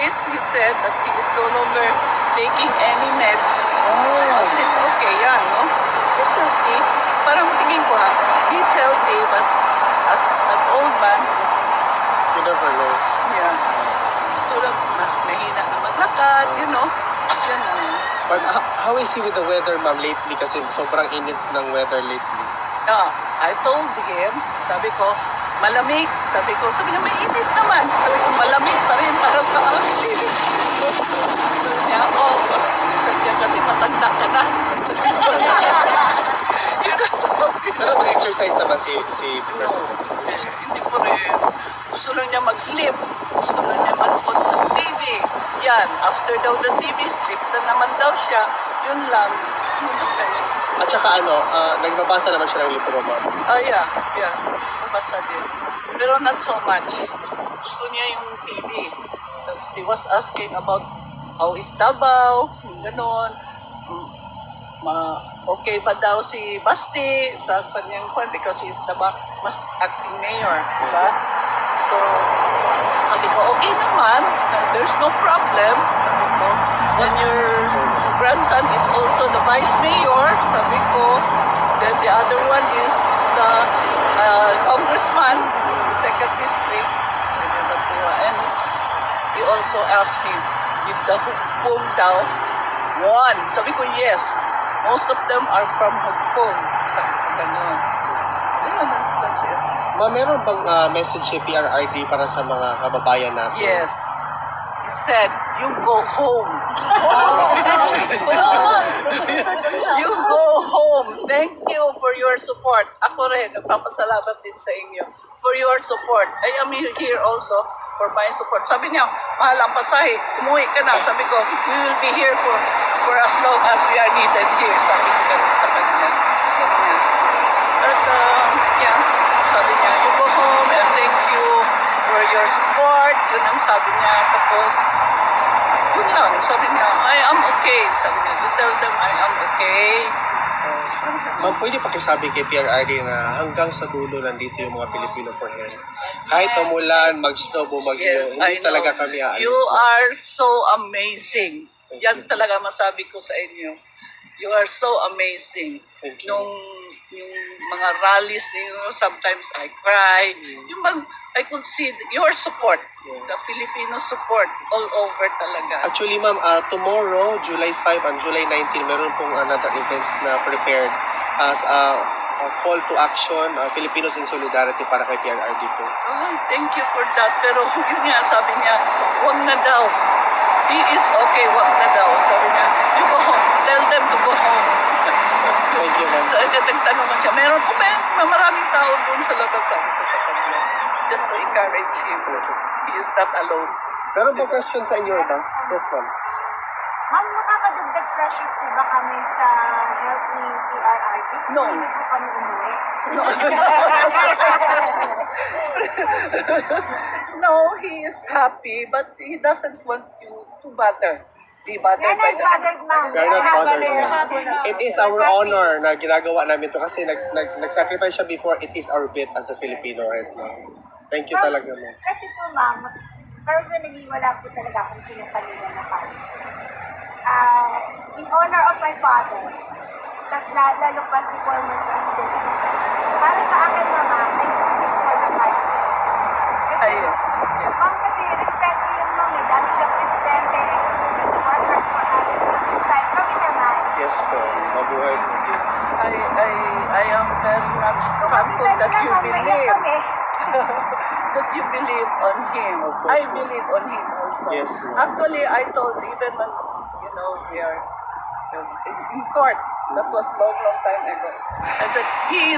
He said that he is no longer taking any meds. At least okay yan, no? He's healthy. Parang tingin ko he's healthy, but as an old man, You never know. yeah, tulad mahina na maglakad, you know. Yan ang, But how is he with the weather, ma'am, lately? Kasi sobrang init ng weather lately. I told him, sabi ko, malamig. Sabi niya, may init naman. Sabi ko, malamig pa rin para sa akin. Sabi niya, sabi niya, kasi matanda ka na. Yun ang sabi ko. Pero mag-exercise naman si President. Hindi po rin. Gusto lang niya mag-sleep. Gusto lang niya manood ng TV. Yan, after daw the TV, sleep na naman daw siya. Yun lang. Yun ang kanya. At saka nagbabasa naman siya ng libro, ma'am. Yeah. Basa din. Pero not so much. Gusto niya yung TV. She was asking about how is Davao, yung ganon. Okay ba daw si Basti sa kanyang kwan because he is the mas acting mayor, diba? So, sabi ko, okay naman. There's no problem. Sabi ko, when your grandson is also the vice mayor, sabi ko, then the other one is the congressman, the second district. And he also asked me, did the Hukong daw won? Sabi ko, yes. Most of them are from Hukong. Sabi ko, gano'n. Ayun, that's it. Ma'am, meron bang message si PRRD para sa mga kababayan natin? Yes. He said, you go home. You go home. Thank you for your support. Ako rin, nagpapasalamat din sa inyo for your support. I am here also for my support. Sabi niya, mahal ang pasahe, umuwi ka na. Sabi ko, we will be here for as long as we are needed here. Sabi ko sa kanya. But, yeah, sabi niya, you go home and thank you for your support. Yun ang sabi niya. Tapos, yun lang. Sabi niya, I am okay. Sabi niya, you tell them I am okay. Ma'am, pwede pakisabi kay PRRD na hanggang sa dulo nandito yung mga Pilipino for health. Kahit umulan, mag-snow, bumagyo, Yes, I hindi know. talaga kami aalis. You are so amazing. Yan talaga masabi ko sa inyo. You are so amazing. Thank you. Yung mga rallies ninyo, sometimes I cry. I could see your support, the Filipino support all over talaga. Actually, ma'am, tomorrow, July 5 and July 19, meron pong another events na prepared as a call to action, Filipinos in Solidarity para kay PRRD po. Oh, thank you for that. Pero yun nga, sabi niya, wag na daw. He is okay, wag na daw. Sabi niya, you go home. Tell them to go home. Thank you, ma'am. So, nagtanong man siya, meron po ba maraming tao doon sa labas? Sabi ko sa kanya. Just to encourage him. He is not alone. Meron po question sa inyo, ma'am? Yes, ma'am. Ma'am, nakakadagdag pressure po ba kami sa health ni PRRD? No. Hindi po kami umuwi. No. No, he is happy, but he doesn't want you to bother. Be bothered Kaya by that. nag-bothered, ma'am. We are not bothered, Kaya ma'am. nag-bothered. It is our honor na ginagawa namin to kasi nag-sacrifice siya before. It is our bit as a Filipino right now. Thank you talaga, ma'am. Kasi po, ma'am, personally, wala po talaga akong pinapalila na pa. In honor of my father, tas lalo pa si former president. Para sa akin, mama, I do this for the life. Kasi, Ayun. ma'am, kasi respeto yun, ma'am. May dami siyang presidente. Nag-work hard for us. This time, kami naman. Yes po. Mabuhay po. I am very much thankful that you believe. That you believe on him. Of course. I believe on him also. Yes, ma'am. Actually, I told even when, we are in court, that was long time ago. I said, he